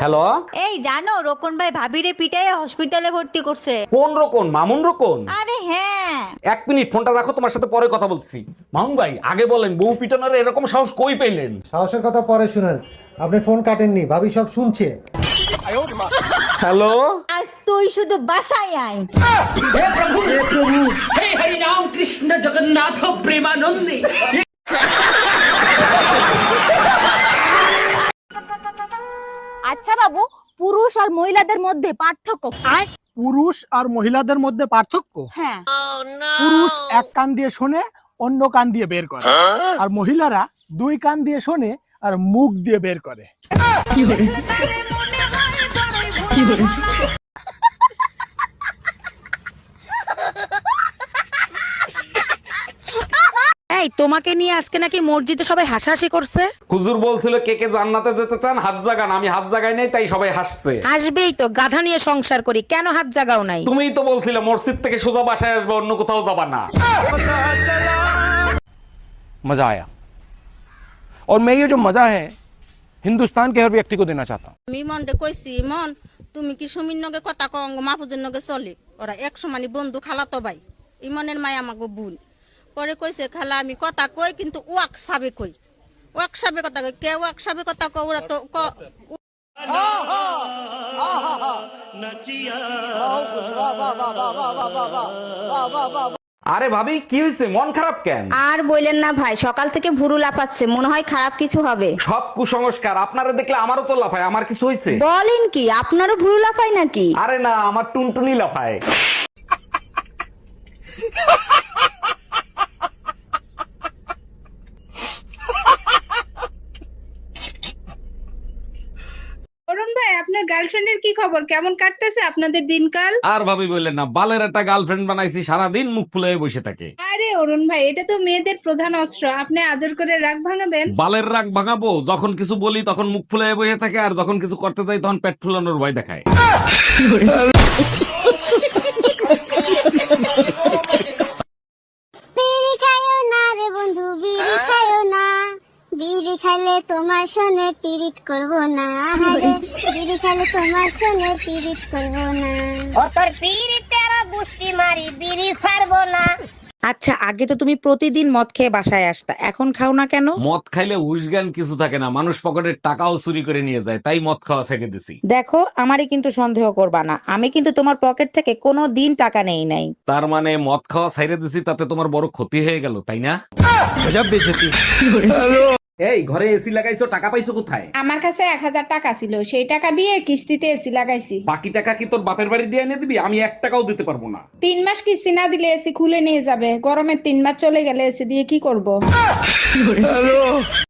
Hello, এই জানো রোকন ভাই ভাবিরে পিটাইয়ে হসপিটালে ভর্তি করছে। কোন রকম? মামুন রকম? আরে হ্যাঁ। এক মিনিট, ফোনটা রাখো, তোমার সাথে পরে কথা বলছি। মামুন ভাই আগে বলেন, বউ পিটানোর এরকম সাহস কই পেলেন? সাহসের কথা পরে শুনেন, আপনি ফোন কাটেননি, ভাবি সব শুনছে। হ্যালো, আজ তুই শুধু বাসায় আয়। আচ্ছা বাবু, পুরুষ আর মহিলাদের মধ্যে পার্থক্য কি? পুরুষ আর মহিলাদের মধ্যে পার্থক্য? হ্যাঁ। পুরুষ এক কান দিয়ে শোনে, অন্য কান দিয়ে বের করে, আর মহিলারা দুই কান দিয়ে শোনে আর মুখ দিয়ে বের করে। এই তোমাকে নিয়ে আজকে নাকি মসজিদে সবাই হাসাহাসি করছে। হুজুর বলছিল কে কে জান্নাতে যেতে চান হাত জাগান, আমি হাত জাগাই নাই, তাই সবাই হাসছে। আসবেই তো, গাধা নিয়ে সংসার করি, কেন হাত জাগাও নাই? তুমিই তো বলছিলে মসজিদ থেকে সোজা বাসায় আসবে, অন্য কোথাও যাবা না। मजा आया और मैं ये जो मजा है हिंदुस्तान के हर व्यक्ति को देना चाहता हूँ। আমি মনরে কইছি, মন তুমি কি সুমির নগে কথা কঙ্গ মাহফুজের নগে চলে, ওরা এক সমানি বন্ধু খালাতো ভাই, ইমনের মায় আমাকে ভুল পরে কইছে খালা আমি কথা কই কিন্তু ওয়াক সাবে কই, ওয়াক সাবে কথা কই, কে ওয়াক সাবে কথা কই, ওরা তো আরে ভাবি কি হয়েছে, মন খারাপ কেন? আর বললেন না ভাই, সকাল থেকে ভুরু লাফাচ্ছে, মনে হয় খারাপ কিছু হবে। সব কুসংস্কার, আপনারা দেখলে আমারও তো লাফায়। আমার কিছু হয়েছে? বলেন কি, আপনারও ভুরু লাফায় নাকি? আরে না, আমার টুনটুনি লাফায়। অরুণ ভাই, আপনার গার্লফ্রেন্ডের কি খবর? কেমন কাটতেছে আপনাদের দিনকাল? আর ভাবি বললেন না, বালের একটা গার্লফ্রেন্ড বানাইছি, সারাদিন মুখ ফুলে বসে থাকে। আরে অরুণ ভাই, এটা তো মেয়েদের প্রধান অস্ত্র, আপনি আদর করে রাগ ভাঙাবেন। বালের রাগ ভাঙাবো? যখন কিছু বলি তখন মুখ ফুলে বসে থাকে, আর যখন কিছু করতে যাই তখন পেট ফুলানোর ভয় দেখায়। বিড়ি খাইও না রে বন্ধু, বিড়ি খাইও না, বিড়ি খাইলে তোমার সনে পিরিত করব না, আরে বিড়ি খাইলে তোমার সনে পিরিত করব না, ও তোর পিরিতের গুষ্টি মারি বিড়ি ছাড়বো না। আচ্ছা, আগে তো তুমি প্রতিদিন মদ খেয়ে বাসায় আসতা, এখন খাও না কেন? মদ খাইলে হুশজ্ঞান কিছু থাকে না, মানুষ পকেটের টাকাও চুরি করে নিয়ে যায়, তাই মদ খাওয়া ছেড়ে দিছি। দেখো, আমারই কিন্তু সন্দেহ করবা না, আমি কিন্তু তোমার পকেট থেকে কোনো দিন টাকা নেই নাই। তার মানে মদ খাওয়া ছাইরে দিছি, তাতে তোমার বড় ক্ষতি হয়ে গেল, তাই না? এই ঘরে এসি লাগাইছো, টাকা পাইছো কোথায়? আমার কাছে 1000 টাকা ছিল, সেই টাকা দিয়ে কিস্তিতে এসি লাগাইছি। বাকি টাকা কি তোর বাপের বাড়ি দিয়ে এনে দিবি? আমি 1 টাকাও দিতে পারবো না। 3 মাস কিস্তি না দিলে এসি খুলে নিয়ে যাবে, গরমের 3 মাস চলে গেলে এসি দিয়ে কি করব?